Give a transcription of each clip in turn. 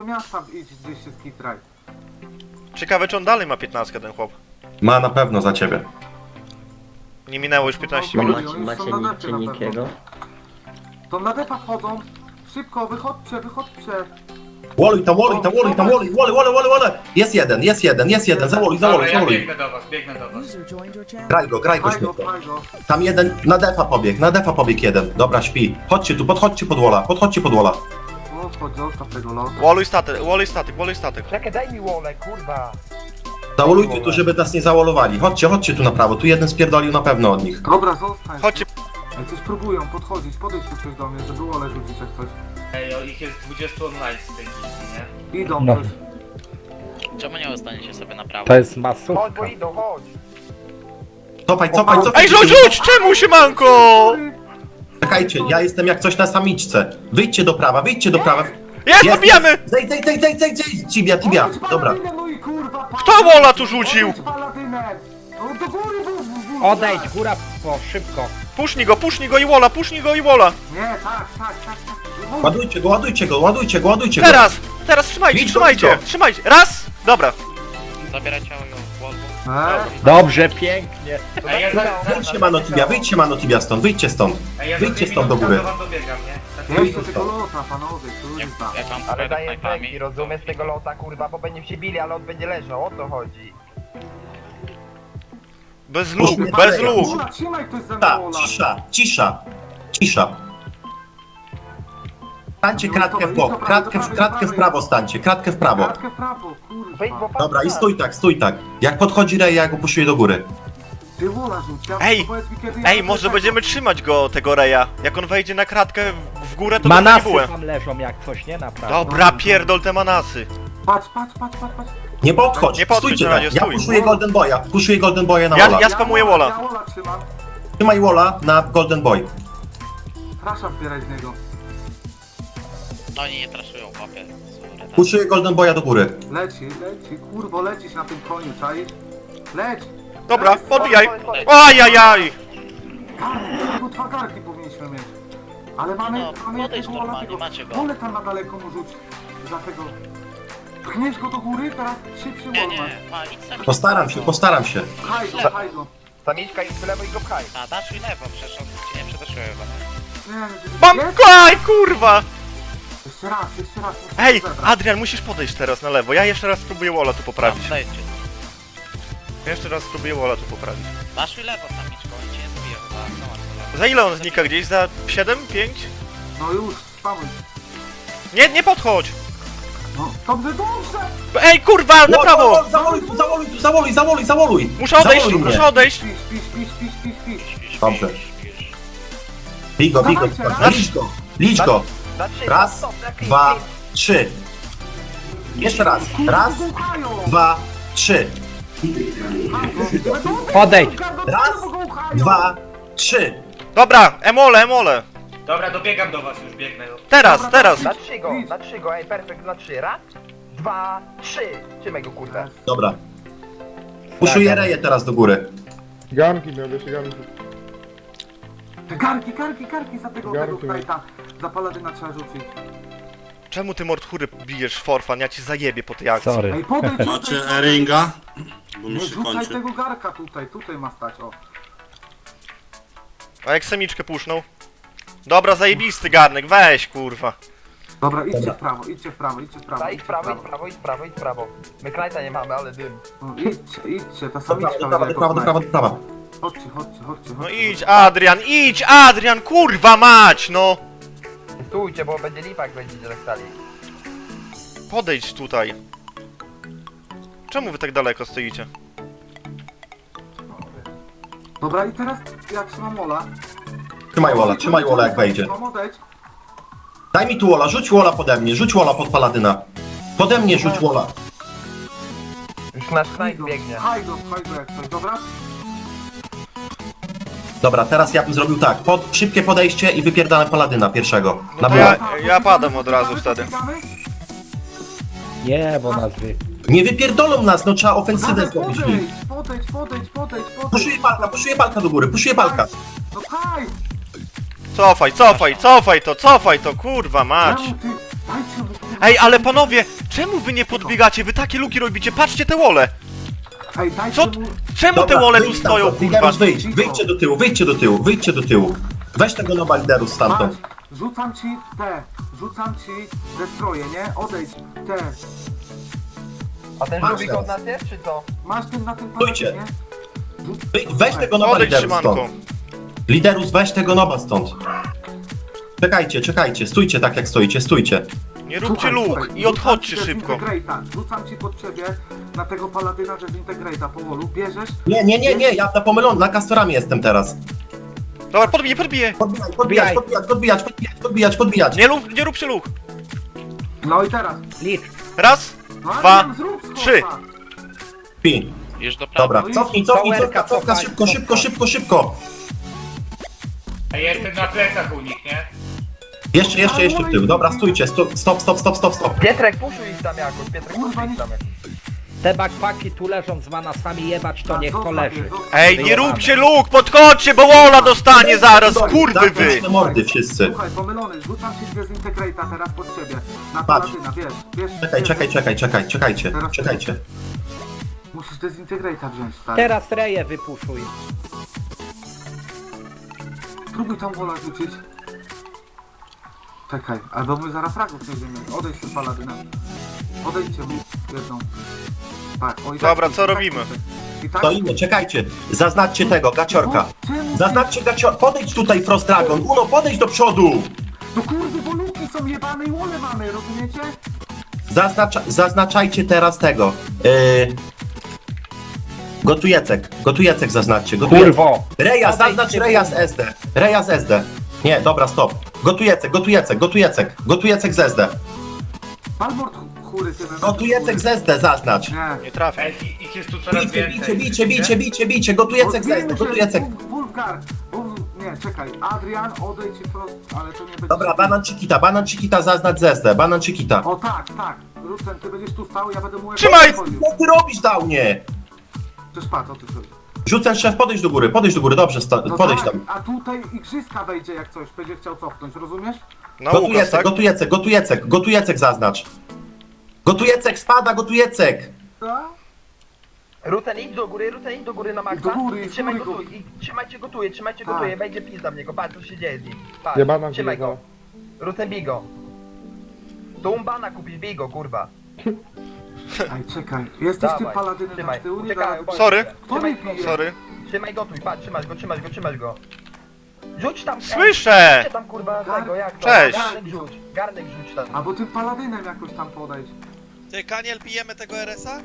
miasta idź gdzieś się skitraj. Ciekawe, czy on dalej ma 15 ten chłop. Ma na pewno za ciebie. Nie minęło już 15 No, minut. oni Macie są na nic depie na pewno. nikiego? To na depa wchodzą. Szybko, wychodźcie. Woluj tam, woluj tam, woluj tam, woluj, woluj. Jest jeden, zawoluj. Dobra, ja biegnę do was. Graj go Faj go, śmietko. faj go. Tam jeden, na defa pobiegł jeden. Dobra, śpi. Chodźcie tu, podchodźcie pod wola. O, chodź, zostaw tego lotu. Woluj statek. Czekaj, daj mi wolę, kurwa. Zawolujcie tu, żeby nas nie zawolowali. Chodźcie tu na prawo, tu jeden spierdolił na pewno od nich. Dobra, zostań. Chodźcie. Ej, coś próbują podchodzić, podejdź tu coś do mnie, żeby wolę rzucić jak coś. Ej, o, ich jest 20 online z tej gildii, nie? Idą No. coś. Czemu nie ustaniecie sobie na prawo? To jest Chodź, bo masówka. idą, chodź. Cofaj. Ej, rzuć! Czemu się manko? Czekajcie, ja jestem jak coś na samiczce. Wyjdźcie do prawa. Jest, dobijamy! Zejdź, Tibia. Dobra. No i kurwa, Kto wola tu rzucił? Paladynem! No do góry, bo... Odejdź, góra po, szybko. Pusznij go i wola, Nie, tak. Ładujcie go. Teraz trzymajcie. Idź go. Raz! Dobra. Zabieraj ciało ją w Volvo. Dobrze, pięknie. Ej, ja Wyjdźcie Mano Tibia stąd, wyjdźcie stąd. Ej, ja Wyjdźcie za stąd do 2 góry. minuty do wam dobiegam, nie? Tak, Jeszcze tego lota, panowie, kurwa. Jak mam Ale przed daję knajpami. efekty, rozumiesz tego lota, kurwa, bo będziemy się bili, ale on będzie leżał, o to chodzi. Bez Puszczmy luk. dalej. Wola, trzymaj ktoś za mnie Ta, wola. cisza. Stańcie kratkę w bok, kratkę w prawo stańcie, kratkę w prawo. Kratkę w prawo, Wejdź, bo kurwa. Dobra, i stój tak. Jak podchodzi Rej, ja go puszuję do góry. Ty wola rzuć, ja Ej, powiedz mi, kiedy ja Ej, może będziemy trzymać go, tego Reja. Jak on wejdzie na kratkę w górę, to dostanie Manasy bułę. tam leżą jak coś, nie? Naprawdę. Dobra, pierdol te manasy. Patrz. Nie podchodź, Nie podchodź stójcie na tak. razie, Ja stój. puszuję Golden Boya na Ja- Wola. ja spamuję wola. Ja wola trzymam. Trzymaj Wola na Golden Boy. Trasza zbieraj z niego. Oni nie traszują, łapie. Puszuję Golden Boya do góry. Leci, kurwo, lecisz na tym koniu, czaisz? Leć! Dobra, Leć, podbijaj. chodź. Ajajaj. Tylko 2 garki powinniśmy mieć. Ale mamy... No, mamy podejdź jakiegoś wola normalnie, tego. macie go. Wolę tam na daleko mu rzuć. Za tego... Pchniesz go do góry, teraz szybszy Nie, wol nie, masz. idź sami. Postaram się. Haj go. Samiczka i w lewo i go pchaj. A, dasz i lewo, przecież on cię nie przetaszył chyba. Mam Jest? kaj, kurwa! Jeszcze raz. muszę Ej, zebrać. Adrian, musisz podejść teraz na lewo. Ja jeszcze raz spróbuję Wola tu poprawić. Tam, dajcie. Jeszcze raz spróbuję Wola tu poprawić. Dasz i lewo, samiczko, oni cię nie zabiją chyba. No, masz lewo. Za ile on znika gdzieś? Za 7? 5? No już, spamuj. Nie podchodź! No, dobrze! Ej, kurwa, na prawo! Zawoluj! Muszę odejść, Zawoluj mnie. muszę odejść! Śpisz. Dobrze. Bij go. Licz go. Na 3, Raz, stop, na klip, 2, klip. 3. Jeszcze raz. Raz, 2, 3. Podejdź. Raz, 2, 3. Dobra, emole! Dobra, dobiegam do was, już biegnę. Teraz! Na 3 go, ej, perfekt, na 3. Raz, 2, 3. Trzymaj go, kurde. Dobra. Puszuję Reję teraz do góry. Te garki za tego knajta. Za paladyna trzeba rzucić. Czemu ty mordchury bijesz forfan? Ja ci zajebie po tej akcji. Sorry. Ej, podejdź Macie Eringa? Bo Nie mi się rzucaj kończy. tego garka tutaj ma stać, o. A jak semiczkę puszną? Dobra, zajebisty garnek, weź kurwa. Dobra, idźcie w prawo. Daj, idź w prawo, idź w prawo. My knajta nie mamy, ale dym. No, idźcie, ta Do samiczka prawa. Chodźcie. No idź Adrian, kurwa mać, no! Stójcie, bo będzie lipa, jak będziecie tak stali. Podejdź tutaj. Czemu wy tak daleko stoicie? Dobra, i teraz ja trzymam Wola. Trzymaj Wola jak wejdzie. Mam odejdź. Daj mi tu Wola, rzuć Wola pode mnie, rzuć Wola pod Paladyna. Pode mnie rzuć Wola. Już nasz knajt biegnie. Haj go jak coś, dobra? Dobra, teraz ja bym zrobił tak. Szybkie podejście i wypierdalam Paladyna pierwszego. Na to Wola. ja padam od razu wtedy. Nie, bo nas wy... Nie wypierdolą nas, no trzeba ofensywę zrobić. Podejdź. Puszuję palka do góry, puszuję palka. No haj! Cofaj to, kurwa mać. Dajcie mu Ej, ale panowie, czemu wy nie podbiegacie? Wy takie luki robicie, patrzcie te wole! Ej, dajcie Co? mu... Czemu te wole tu wyjdź stoją, stamtąd, kurwa? Liderus, wyjdźcie do tyłu, wyjdźcie do tyłu, wyjdźcie do tyłu. Weź tego nowa Liderus stamtąd. Patrz, rzucam ci destroje, nie? Odejdź, te. A ten Masz żółwik teraz. od nas jest, czy co? Masz tym na tym Stójcie. nie? Weź tego nowa Odejdź, Liderus Szymanko. stąd. Liderus, weź tego nowa stąd. Czekajcie, stójcie tak jak stoicie, stójcie. Nie róbcie Słuchaj, luk słuchaj, i odchodźcie rzucam ci szybko. Dezintegrate'a, rzucam ci pod ciebie na tego paladyna Dezintegrate'a po wolu, bierzesz? Nie, ja na pomylony, na kastorami jestem teraz. Dobra, podbiję. Podbijać. Nie róbcie luk. No i teraz. Licz. Raz, No, Dwa, Adrian, zrób skoka. 3. Pi. Już do prawej. Dobra, cofnij, cofka, szybko. A jestem na plecach u nich, nie? Jeszcze w tył. Dobra, stójcie, stop. Pietrek, puszuj ich tam jakoś, Pietrek, Kurwa, puszuj nie- ich tam jakoś. Te backpacki tu leżą z manasami jebać, to niech to Zostaw leży. je, zostaw. Ej, nie róbcie luk, podchodźcie, bo wola dostanie zaraz, kurwy wy! Zamknąć te mordy wszyscy. Słuchaj, pomylony, rzucam ci Dezintegrate'a teraz pod ciebie. Na Patrz. paladyna, wiesz. Czekajcie. Musisz Dezintegrate'a wziąć, stary. Teraz reje wypuszuj. Spróbuj tam wola rzucić. Czekaj, albo my zaraz fragów nie wiemy. Odejdź z tym paladynem. Odejdźcie mu jedną. Tak, o i tak. Dobra, co robimy? I tak? Stoimy, czekajcie. Zaznaczcie tego, gaciorka. Czemu? Zaznaczcie gaciorka. Podejdź tutaj, Frost Dragon. Uno, podejdź do przodu. No kurde, bo luki są jebane i łole mamy, rozumiecie? Zaznaczajcie teraz tego. Gotujecek zaznaczcie. Kurwo. Reja, Odejdźcie, zaznacz Reja z SD. Reja z SD. Nie, dobra, stop. Gotujecek z SD. Palmort chóry ty Gotujecek z SD zaznacz. Nie. Nie trafię. Ej, ich jest tu coraz więcej. Bijcie. Gotujecek z SD, gotujecek. Wulgar. Nie, czekaj. Adrian, odejdź i prost, ale to nie będzie... Dobra, banan Chiquita zaznacz z SD. Banan Chiquita. O tak. Rucen, ty będziesz tu stał, ja będę mu... Trzymaj! Co ty robisz, Downie? Przecież patrz, o ty chodzi. Rzucę szef, podejdź do góry, dobrze, No podejdź tak, tam. a tutaj igrzyska wejdzie jak coś, będzie chciał cofnąć, rozumiesz? Na Łukasz, tak? Gotujecek zaznacz. Gotujecek, spada, gotujecek. Tak? Ruten, idź do góry na maksa. Do góry, I trzymaj z góry gotuj, i trzymajcie Tak. gotuje, będzie pizda w niego, patrz co się dzieje z nim. Patrz, trzymaj go. Ruten, bij go. Tu umbana kupisz, bij go, kurwa. Ej, czekaj, jesteś tym Dawaj, paladynem trzymaj. z tyłu, nie Uciekają, da... bądź. Sorry. Kto mnie bije? Sorry. Trzymaj gotuj, patrz, trzymasz go. Rzuć tam, Słyszę! rzućcie tam kurwa tego, jak to? Cześć. Garnek rzuć tam. Albo tym paladynem jakoś tam podejdź. Ty, Kaniel, bijemy tego RS-a?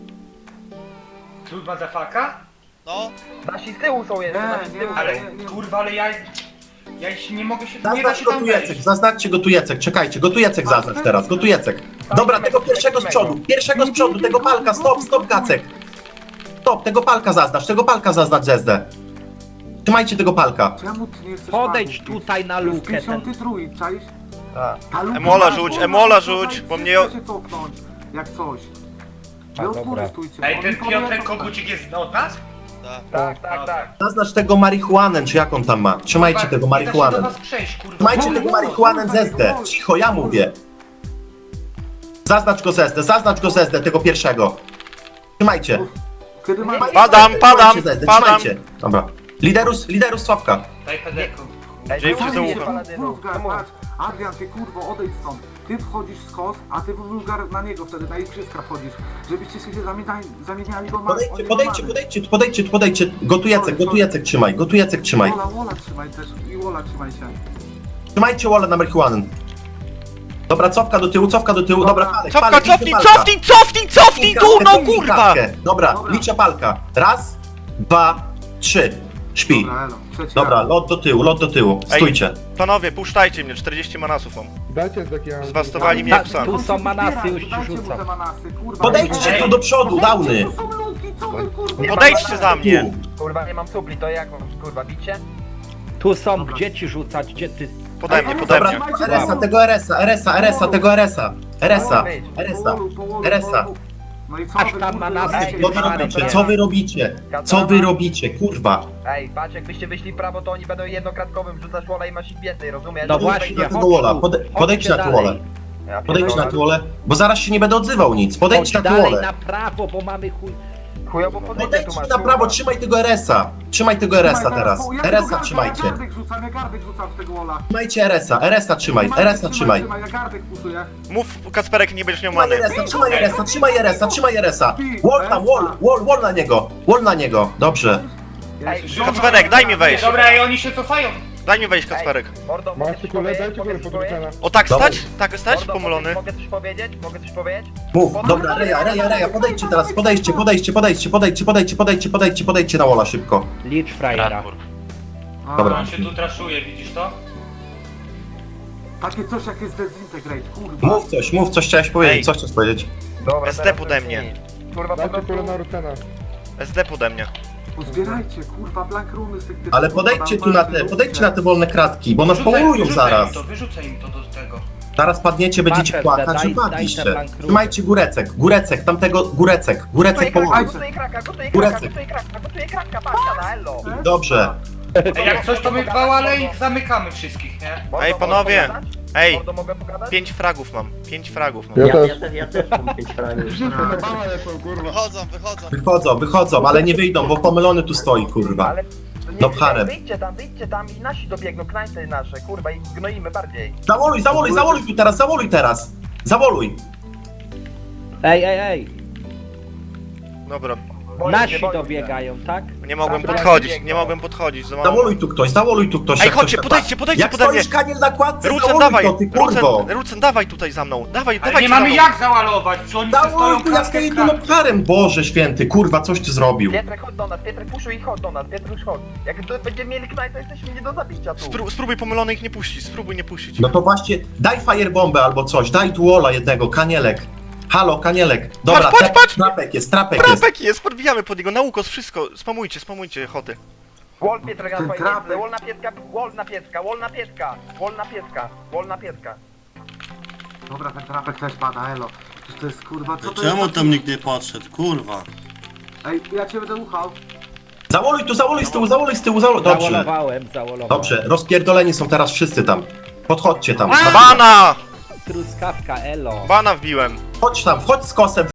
Tu motherfucka? No. Nasi z tyłu są jeszcze, nasi z Nie, tyłu nie, są. Ale kurwa, ale ja się nie mogę się... Nie da Zaznacz się tam gotujecek, wejść. zaznaczcie gotujecek, czekajcie, gotujecek zaznacz teraz, gotujecek. Dobra, tego pierwszego z przodu, tego palka, stop, Gacek. Stop, tego palka zaznacz z SD. Trzymajcie tego palka. Czemu ty nie chcesz Podejdź palców bić? tutaj na To jest lukę ten. 53, czaisz? Tak. Ta luka Emola ma, rzuć, kurwa, Emola tutaj rzuć, bo wszyscy mnie- się cofnąć, jak coś. A, Wy dobra. odpórstójcie. Ej, oni ten powiedzą Piotr tak. Kogucik jest od nas? Tak. Zaznacz tego marihuanę, czy jak on tam ma. Trzymajcie Kurwa, tego nie da się do marihuanę. was przejść, kurwa. Trzymajcie tego marihuanę z SD. Cicho, ja mówię. Zaznacz go z SD, tego pierwszego. Trzymajcie. Kiedy ma... Padam. Trzymajcie. Dobra. Liderus Sławka. Daj pedeku. Ej, Dzięki czemu za nie ucho. paladynów? Wulgar, Czemu? patrz. Adrian, ty kurwo, odejdź stąd. Ty wchodzisz w skos, a ty Wulgar na niego wtedy, na igrzyska wchodzisz. Żebyście się zamieniali, bo ma... Podejdźcie. Gotujecek trzymaj. Wola trzymaj też i Wola trzymaj się. Trzymajcie wallę na marihuanę. Dobra, cofka do tyłu, dobra, palek, Cofka, palek, cofnij tu, no kurwa! Dobra, liczę palka. Raz, 2, 3. Śpi. Dobra, elo. Trzeci Dobra, raz. lot do tyłu. Stójcie. Panowie, puszczajcie mnie, 40 manasów mam. Dajcie takie... Zwastowali mnie Ta- jak psa. tu są manasy, już ci Dajcie mu rzucam. te manasy, kurwa. Podejdźcie Ej, tu do przodu, downy. Tu są luki, co wy kurwa? Podejdźcie za mnie. Kurwa, nie mam supli, to jak mam, kurwa, bicie? Tu są, gdzie ci rzucać, gdzie ty... Pode mnie. Dobra, RS-a, tego RS-a. No i co Aż wy, tam kurwa, manasy Ej, Co wy robicie? Kurwa. Ej, patrz, jakbyście wyszli w prawo, to oni będą jednokratkowym, rzucasz wola i masz ich więcej, rozumiesz? No właśnie, na tego walla, podejdźcie na chodźcie tą wallę. dalej. Ja Podejdź na pierdolę. tuolę, bo zaraz się nie będę odzywał nic. Podejdź Chodź na dalej tuolę. na prawo, bo mamy chuj... Chujowo pozycję tu Podejdź masz, na prawo, trzymaj tego RS-a. Trzymaj tego RS-a teraz. RS-a trzymajcie. Ja gardek rzucam z tego wola. Trzymajcie RS-a, RS-a trzymaj, RS-a trzymaj. Ja gardek pusuję. Mów, Kacperek, nie będziesz miał Trzymaj many. RS-a, trzymaj RS-a, trzymaj RS-a, trzymaj RS-a. Wall tam, wall na niego, wall na niego. Dobrze. Ej, Kacperek, daj mi wejść. Dobra, i oni się cofają. Daj mi wejść, Kacperek. Mordo, mogę coś powiedzieć? Mogę coś powiedzieć? O tak Dobra. stać? Tak stać? Mordo, Pomylony. Mogę coś powiedzieć? Mogę coś powiedzieć? Mów, dobra, Reja, podejdźcie teraz, podejdźcie na walla szybko. Licz frajera. Radbur. Dobra. On się tu traszuje, widzisz to? Takie coś jak jest Dezintegrate, kurwa. Mów coś chciałeś powiedzieć, Ej. co chciałeś powiedzieć? Dobra, SD teraz pode to mnie. jest nic. Kurwa, po prostu... SD pode mnie. Uzbierajcie, kurwa, blank runy z tych typów. Ale podejdźcie tu na te, podejdźcie na te wolne kratki, bo nas połują zaraz. Wyrzucę im to do tego. Zaraz padniecie, będziecie Patrzę, płakać daj- i daj padliście. te bank runy. Trzymajcie górecek, tamtego górecek Gotuję połowajcie. gotuję kraka, gotuję Górecek. kraka, patrzcie na ello. Dobrze. Ej, jak coś to my ale ich zamykamy wszystkich, nie? Mordo, Ej, mogę panowie. pogadać? Ej, Mordo, mogę pogadać? 5 fragów mam. 5 fragów mam. Wychodzą, ale nie wyjdą, bo pomylony tu stoi, kurwa. Ale... No pcharem. Wyjdźcie tam i nasi dobiegną, knańce nasze, kurwa, i gnoimy bardziej. Zawoluj tu teraz, zawoluj. Ej! Dobra, Boję Nasi się, boję się. dobiegają, tak? nie mogłem Dobra, podchodzić, biegną. nie mogłem podchodzić. Za mało. Zawoluj tu ktoś. Ej, jak chodźcie, ktoś- podejdźcie Jak pode mnie. stoisz kaniel na kładce, Rucen, zawoluj dawaj, to, ty kurwo. Rucen, dawaj tutaj za mną. Dawaj, Ale dawaj nie za mamy mną. jak załalować, czy oni stoją Zawoluj tu, ja stoję tu lopcharem, Boże święty, kurwa, coś ty zrobił. Pietrek, chodź do nas, Pietrek, puszuj i chodź do nas, Pietrek, chodź. Jak będziemy mieli knaj, to jesteśmy nie do zabicia tu. Spróbuj pomylony ich nie puścić, spróbuj nie puścić. No to właśnie, daj firebombę albo coś, daj duola jednego, kanielek. Halo, kanielek. Dobra, Patrz! trapek jest. Trapek jest, podbijamy pod niego, na ukos, wszystko. Spamujcie, choty. Wall Pietrek na Ten twoje trapek. miejsce, wall na pietka. Dobra, ten trapek też pada, elo. Przecież to jest, kurwa, co to Czemu jest? tam nikt nie podszedł, kurwa? Ej, ja cię będę uchał. Zawoluj z tyłu. Dobrze. Zawolowałem. Dobrze, rozpierdoleni są teraz wszyscy tam. Podchodźcie tam. Bana! Truskawka, elo. Bana wbiłem. Chodź tam, wchodź z kosem,